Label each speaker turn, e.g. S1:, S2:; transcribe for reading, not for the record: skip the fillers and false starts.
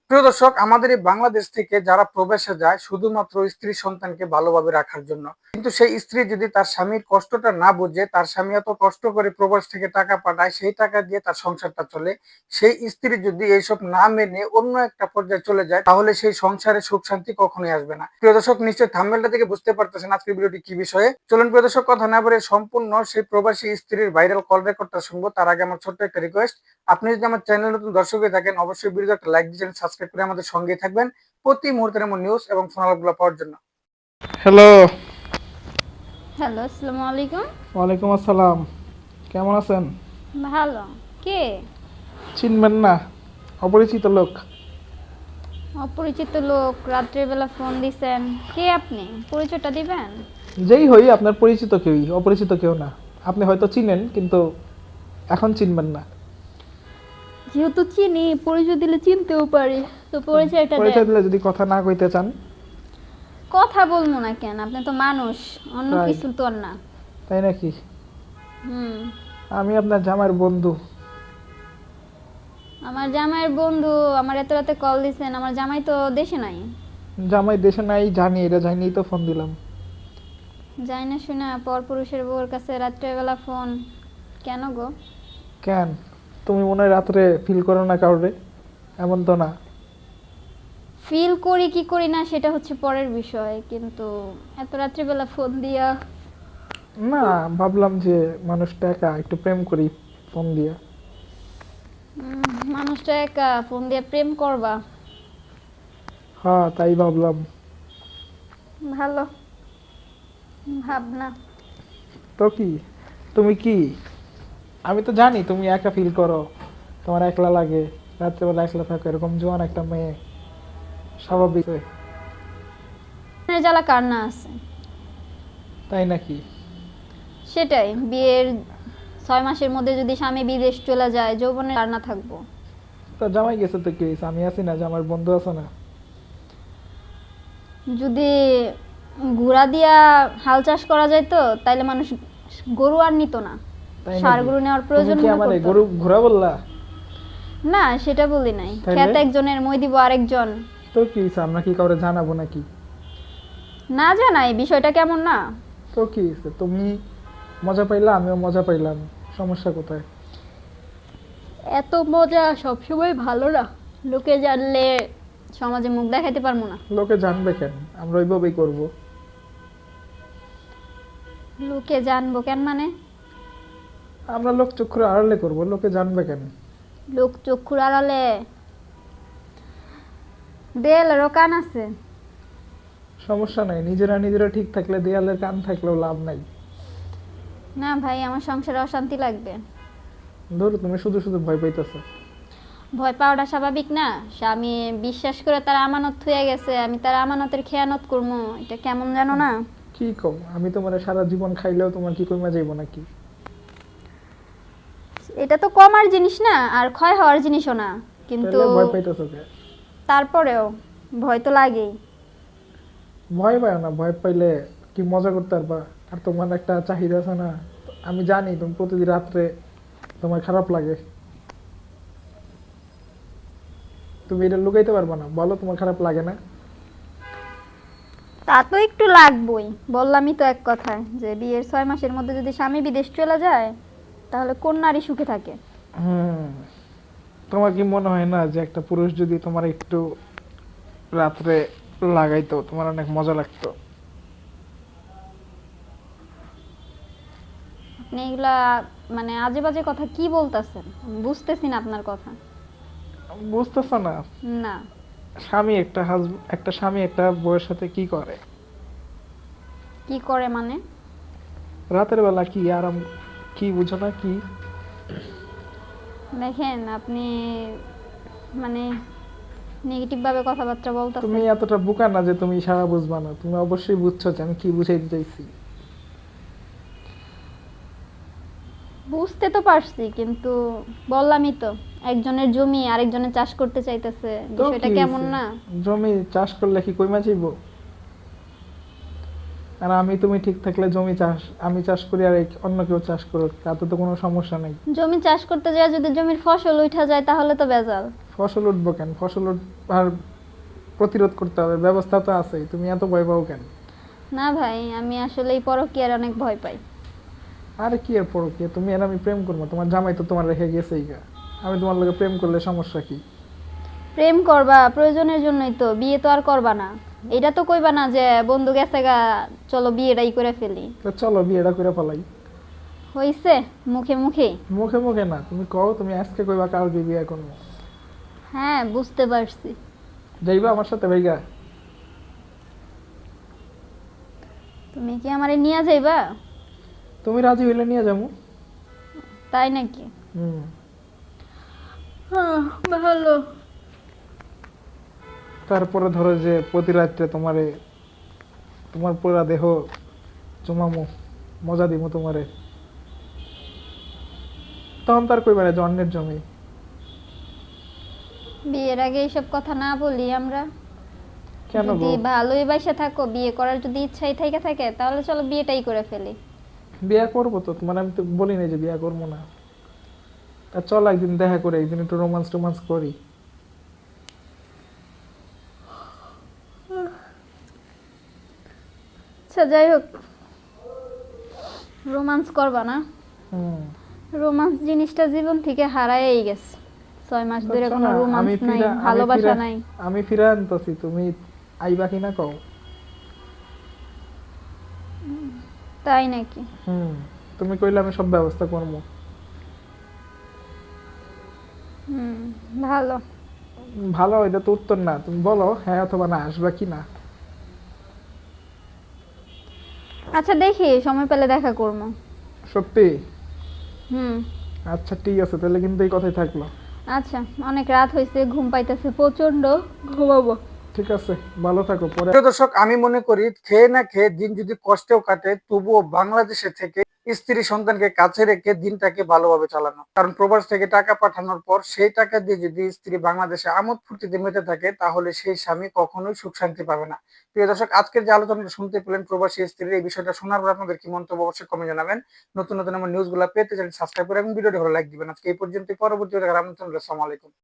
S1: প্রিয় দর্শক, আমাদের এই বাংলাদেশ থেকে যারা প্রবাসে যায় শুধুমাত্র স্ত্রী সন্তানকে ভালোভাবে রাখার জন্য, কিন্তু সেই স্ত্রী যদি তার স্বামীর কষ্টটা না বুঝে, তার স্বামী এত কষ্ট করে প্রবাস থেকে টাকা পাঠায়, সেই টাকা দিয়ে তার সংসারটা চলে, সেই স্ত্রী যদি এইসব না মেনে অন্য একটা পর্যায়ে চলে যায়, তাহলে সেই সংসারে সুখ শান্তি কখনোই আসবে না। প্রিয় দর্শক, নিশ্চয়ই থাম্বনেলটা থেকে বুঝতে পারতেছেন আজকের ভিডিওটি কি বিষয়ে। চলুন প্রিয় দর্শক, কথা না বলে সম্পূর্ণ সেই প্রবাসী স্ত্রীর ভাইরাল কল রেকর্ডটা শুনবো। তার আগে আমার ছোট্ট একটা রিকোয়েস্ট, আপনি যদি আমার চ্যানেল নতুন দর্শক হয়ে থাকেন, অবশ্যই ভিডিওতে একটা লাইক দিবেন, সাবস্ক্রাইব করে আমাদের সঙ্গে থাকবেন প্রতি মুহূর্তের এমন নিউজ এবং ফোন আলাপগুলো পাওয়ার জন্য। হ্যালো।
S2: হ্যালো, আসসালামু আলাইকুম।
S1: ওয়ালাইকুম আসসালাম। কেমন আছেন?
S2: ভালো। কে?
S1: চিনবেন না, অপরিচিত লোক।
S2: অপরিচিত লোক? রাত্রেবেলা ফোন দিছেন, কে আপনি? পরিচয়টা দিবেন?
S1: যেই হই, আপনার পরিচিত কেউই, অপরিচিত কেউ না। আপনি হয়তো চিনেন, কিন্তু এখন চিনবেন না।
S2: যেহেতু চিনি, পরিচয় দিলে চিনতেও পারি, তো পরিচয়টা দেন।
S1: পরিচয় দিলে যদি কথা না কইতে চান?
S2: কথা বলবো না কেন? আপনি তো মানুষ, অন্য
S1: তাই?
S2: কিছু তো আর না।
S1: তাই নাকি?
S2: হুম।
S1: আমি আপনার জামাইয়ের বন্ধু।
S2: আমার জামাইয়ের বন্ধু? আমার এত রাতে কল দিছেন, আমার জামাই তো দেশে নাই।
S1: জামাই দেশে নাই জানি, এটা জানি তো ফোন দিলাম।
S2: যাই না শুনা পরপুরুষের বউর কাছে রাত্রেবেলা ফোন কেন গো?
S1: কেন? তুমি মনে হয় রাত্রে ফিল করো না কাউরে? এমন তো না।
S2: ফিল করি কি করি না সেটা হচ্ছে পরের বিষয়, কিন্তু এত রাত্রিবেলা ফোন দিয়া।
S1: না, ভাবলাম যে মানুষটা একা, একটু প্রেম করি ফোন দিয়া।
S2: মানুষটা একা ফোন দিয়ে প্রেম করবা?
S1: হ্যাঁ, তাই ভাবলাম।
S2: ভালো ভাবনা।
S1: তো কি, তুমি কি, আমি তো জানি তুমি একা ফিল করো, তোমার একলা লাগে, রাত্রেবেলা একলা থাকো, এরকম জোয়ান একটা মেয়ে, স্বাভাবিক।
S2: জ্বালা কার না আছে?
S1: তাই নাকি?
S2: সেটাই, বিয়ের 6 মাসের মধ্যে যদি স্বামী বিদেশ চলে যায়, যৌবনে কার না থাকবো?
S1: তো জামাই গেছে তো কি হয়েছে, আমি আছি না, যে আমার বন্ধু আছে না।
S2: যদি ঘোড়া দিয়া হাল চাষ করা যায় তো তাইলে মানুষ গরু আর নিত না,
S1: তাই
S2: ষাঁড়
S1: নাকি?
S2: গরু নেওয়ার
S1: তুমি
S2: প্রয়োজন
S1: কি
S2: মনে
S1: আমার
S2: করতো
S1: গরু
S2: না।
S1: ঘোরা বললা?
S2: না, সেটা বলি নাই।
S1: তাইলে?
S2: খেত একজনের, মই দিব আরেকজন।
S1: তো কি হয়েছে, আমরা কি কাউরে জানাবো নাকি?
S2: না জানাই বিষয়টা কেমন না?
S1: তো কি হয়েছে, তুমি মজা পাইলা, আমিও মজা পাইলাম, সমস্যা কোথায়?
S2: এত মজা সবসময় ভালো না, লোকে জানলে সমাজে মুখ দেখাইতে পারবো না।
S1: লোকে জানবে কেন, আমরা ওইভাবেই করবো।
S2: লোকে জানবো কেন মানে?
S1: আমরা লোক চক্ষুর আড়ালে করবো, লোকে জানবে কেন?
S2: লোক চক্ষুর আড়ালে? দেয়ালেরও কান আছে।
S1: সমস্যা নাই, নিজেরা নিজেরা ঠিক থাকলে দেয়ালের কান থাকলেও লাভ নাই।
S2: না ভাই, আমার সংসারে অশান্তি লাগবে।
S1: ধরো, তুমি শুধু শুধু ভয় পাইতেছো।
S2: ভয় পাওয়াটা স্বাভাবিক না? স্বামী বিশ্বাস করে তার আমানত থুয়ে গেছে, আমি তার আমানতের খেয়ানত করবো, এটা কেমন জানো না?
S1: কি কম, আমি তোমার সারা জীবন খাইলেও তোমার কি কমে যাইব নাকি?
S2: এটা তো কমার জিনিস না, আর ক্ষয় হওয়ার জিনিসও না, কিন্তু
S1: তাহলে ভয় পাইতেছো কে?
S2: তারপরেও ভয় তো লাগেই।
S1: ভয় পায় না, ভয় পাইলে কি মজা করতে পারবা? আর তোমার একটা চাহিদা আছে না, আমি জানি তুমি প্রতিদিন রাত্রে তোমার খারাপ লাগে। তুমি এটা লুকাইতে পারবা না, বলো তোমার খারাপ লাগে না?
S2: তা তো একটু লাগবই, বললামই তো এক কথায় যে বিয়ের 6 মাসের মধ্যে যদি স্বামী বিদেশ চলে যায়, তাহলে কোন নারী সুখে থাকে?
S1: হুম। তোমার কি মনে হয় না যে একটা পুরুষ যদি তোমার একটু রাত্রে লাগাইতো, তোমার অনেক মজা লাগতো?
S2: আপনি এগুলা মানে আজে বাজে কথা কি বলতেছেন? বুঝতেছি না আপনার কথা।
S1: বুঝতেছ না?
S2: না।
S1: একটা স্বামী একটা বউয়ের সাথে কি করে?
S2: কি করে মানে?
S1: রাতের বেলা কি আরাম, কি বুঝো না কি?
S2: দেখেন আপনি মানে নেগেটিভ ভাবে কথাবার্তা
S1: তুমি
S2: বলতেছেন।
S1: এতটা বোকা না যে তুমি সারা বুঝবা না, তুমি অবশ্যই বুঝছো যে আমি কি বুঝাইতে চাইছি।
S2: বুঝতে তো পারছি, কিন্তু বললামই তো, একজনের জমি আরেকজনের চাষ করতে চাইতেছে,
S1: তো
S2: বিষয়টা
S1: কি
S2: কেমন
S1: হইছে?
S2: না?
S1: জমি চাষ করলে কি কইমা যাইব?
S3: আর আমি তুমি ঠিক থাকলে জমি চাষ আমি চাষ করি আর অন্য কেউ চাষ করুক, তাতে তো কোনো সমস্যা নেই।
S2: জমি চাষ করতে যায় যদি জমির ফসল উঠা যায় তাহলে তো বেজাল।
S3: ফসল উঠবো কেন? আর প্রতিরোধ করতে হবে, ব্যবস্থা তো আছেই, তুমি এত ভয় পাও কেন?
S2: না ভাই, আমি আসলে এই পরকীয়ার অনেক ভয় পাই।
S3: আরে কি আর পরকীয়া, তুমি আর আমি প্রেম করবো? তোমার জামাই তো তোমার রেখে গেছেই গা। আমি তোমার লগে প্রেম করলে সমস্যা কি?
S2: প্রেম করবা প্রয়োজনের জন্যই তো, বিয়ে তো আর করবা না। এটা তো কইবা না যে বন্ধু গেছে গা, চলো বিয়েটাই করে ফেলি।
S3: তো চলো বিয়েটা করে ফেলাই।
S2: হইছে মুখে মুখে।
S3: মুখে মুখে না, তুমি কও তুমি আজকে কইবা কালকে বিয়ে করবো।
S2: হ্যাঁ, বুঝতে পারছি।
S3: যাইবা আমার সাথে ভাইগা?
S2: তুমি কি আমারে নিয়ে যাইবা?
S3: তুমি রাজি হইলে নিয়ে যাবো।
S2: তাই নাকি?
S3: হুম।
S2: ভালো।
S3: তারপরে ধরো যে প্রতি রাত্রে তোমার পুরা দেহ চুমামো, মজা দিব তোমারে, তখন তার কইবা না যে অন্যের জমি।
S2: বিয়ের আগে এইসব কথা না বলি আমরা।
S3: কেন
S2: যদি
S3: গো?
S2: ভালোই বাসা থাকো, বিয়ে করার যদি ইচ্ছাই থাকে তাহলে চলো বিয়েটাই করে ফেলি।
S3: বিয়ে করবো তো, তোমার আমি তো বলি না যে বিয়ে করবো না। তা চল একদিন দেখা করে একদিন একটু রোমান্স টোমান্স করি।
S2: আচ্ছা যাই হোক, রোমান্স করবা না?
S3: হুম।
S2: রোমান্স জিনিসটা জীবন থেকে হারায়েই গেছে। 6 মাস ধরে
S3: আচ্ছা
S2: কোনো
S3: না,
S2: রোমান্স নাই, ভালোবাসা নাই।
S3: আমি ফিরে আনতেছি, তুমি আইবা কিনা কও।
S2: তাই নাকি?
S3: হুম। তুমি কইলে আমি সব ব্যবস্থা করবো।
S2: হুম, ভালো।
S3: ভালো, এটা তো উত্তর না, তুমি বলো হ্যাঁ অথবা না, আসবা কি না।
S2: আচ্ছা দেখি, সময় পেলে দেখা করবো।
S3: সত্যি?
S2: হুম।
S3: আচ্ছা ঠিক আছে, তাহলে কিন্তু এই কথাই থাকলো।
S2: আচ্ছা, অনেক রাত হয়েছে, ঘুম পাইতেছে প্রচন্ড, ঘুমাবো।
S3: ঠিক আছে, ভালো থাকো। পরে
S1: প্রিয় দর্শক, আমি মনে করি খেয়ে না খেয়ে দিন যদি কষ্টেও কাটে তবুও বাংলাদেশে থেকে স্ত্রী সন্তানকে কাছে রেখে দিনটাকে ভালোভাবে চালানো। কারণ প্রবাস থেকে টাকা পাঠানোর পর সেই টাকা দিয়ে যদি স্ত্রী বাংলাদেশে আমোদ ফুর্তিতে মেতে থাকে তাহলে সেই স্বামী কখনোই সুখ শান্তি পাবে না। প্রিয় দর্শক, আজকের যে আলোচনাটা শুনতে পেলেন প্রবাসী স্ত্রীর, এই বিষয়টা শোনার পর আপনাদের কি মন্তব্য অবশ্যই কমে জানাবেন। নতুন নতুন আমার নিউজগুলো পেতে চাইলে সাবস্ক্রাইব করে এবং ভিডিওটি ভালো লাইক দিবেন। আজকে এই পর্যন্ত, পরবর্তী দেখার আমন্ত্রণ রইলো। আসসালামু আলাইকুম।